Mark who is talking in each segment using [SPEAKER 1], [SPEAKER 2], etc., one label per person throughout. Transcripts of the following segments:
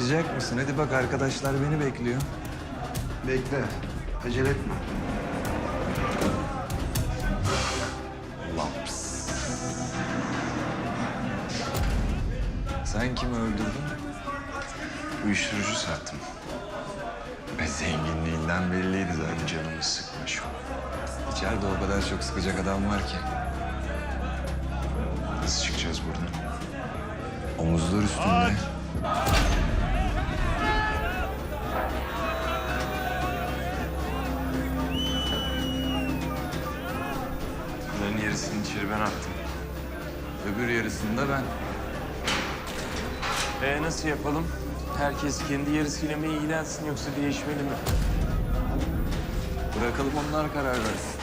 [SPEAKER 1] Başlayacak mısın? Hadi bak, arkadaşlar beni bekliyor.
[SPEAKER 2] Bekle. Acele etme.
[SPEAKER 1] Laps. Sen kimi öldürdün?
[SPEAKER 2] Uyuşturucu sattım. Ve zenginliğinden belliydi zaten, canımı sıkma şu an.
[SPEAKER 1] İçeride o kadar çok sıkacak adam var ki.
[SPEAKER 2] Nasıl çıkacağız buradan?
[SPEAKER 1] Omuzlar üstünde.
[SPEAKER 2] Bunların yarısını içeri ben attım.
[SPEAKER 1] Öbür yarısında ben.
[SPEAKER 3] Nasıl yapalım? Herkes kendi yarısıyla mı ilgilensin yoksa değişmeli mi?
[SPEAKER 1] Bırakalım onlar karar versin.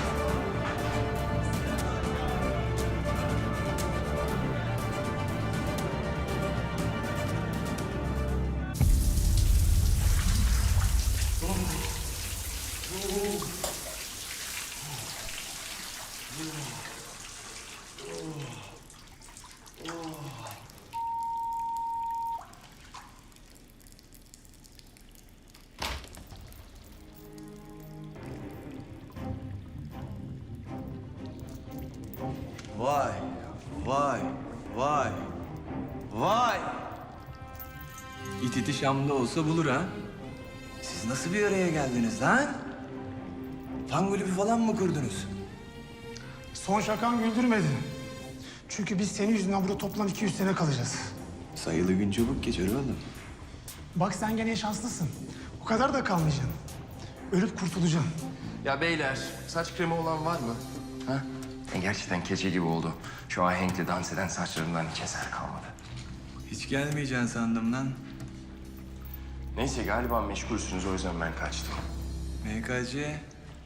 [SPEAKER 1] Vay, vay, vay, vay. İt iti Şam'da olsa bulur ha. Siz nasıl bir araya geldiniz lan? Fan kulübü falan mı kurdunuz?
[SPEAKER 4] Son şakan güldürmedi. Çünkü biz senin yüzünden burada toplam 200 sene kalacağız.
[SPEAKER 1] Sayılı gün çabuk geçer oğlum.
[SPEAKER 4] Bak sen gene şanslısın. O kadar da kalmayacaksın. Ölüp kurtulacaksın.
[SPEAKER 3] Ya beyler, saç kremi olan var mı?
[SPEAKER 5] Ha? Gerçekten keçe gibi oldu. Şu ahenkle dans eden saçlarımdan hiç eser kalmadı.
[SPEAKER 1] Hiç gelmeyeceksin sandım lan.
[SPEAKER 5] Neyse galiba meşgulsünüz, o yüzden ben kaçtım.
[SPEAKER 1] MKC.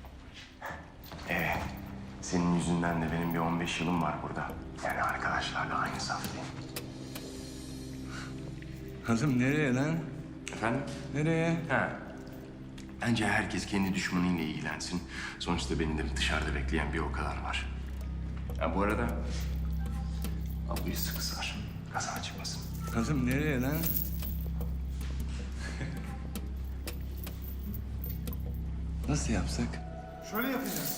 [SPEAKER 5] Senin yüzünden de benim bir 15 yılım var burada. Yani arkadaşlarla aynı saftayım.
[SPEAKER 1] Oğlum nereye lan?
[SPEAKER 5] Efendim?
[SPEAKER 1] Nereye?
[SPEAKER 5] Ha. Bence herkes kendi düşmanıyla ilgilensin. Sonuçta benim de dışarıda bekleyen bir o kadar var. Ha bu arada... Ablayı sıkı sar. Kaza çıkmasın.
[SPEAKER 1] Oğlum nereye lan? Nasıl yapsak?
[SPEAKER 4] Şöyle yapacağız.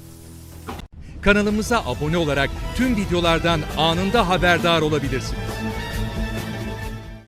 [SPEAKER 6] Kanalımıza abone olarak tüm videolardan anında haberdar olabilirsiniz.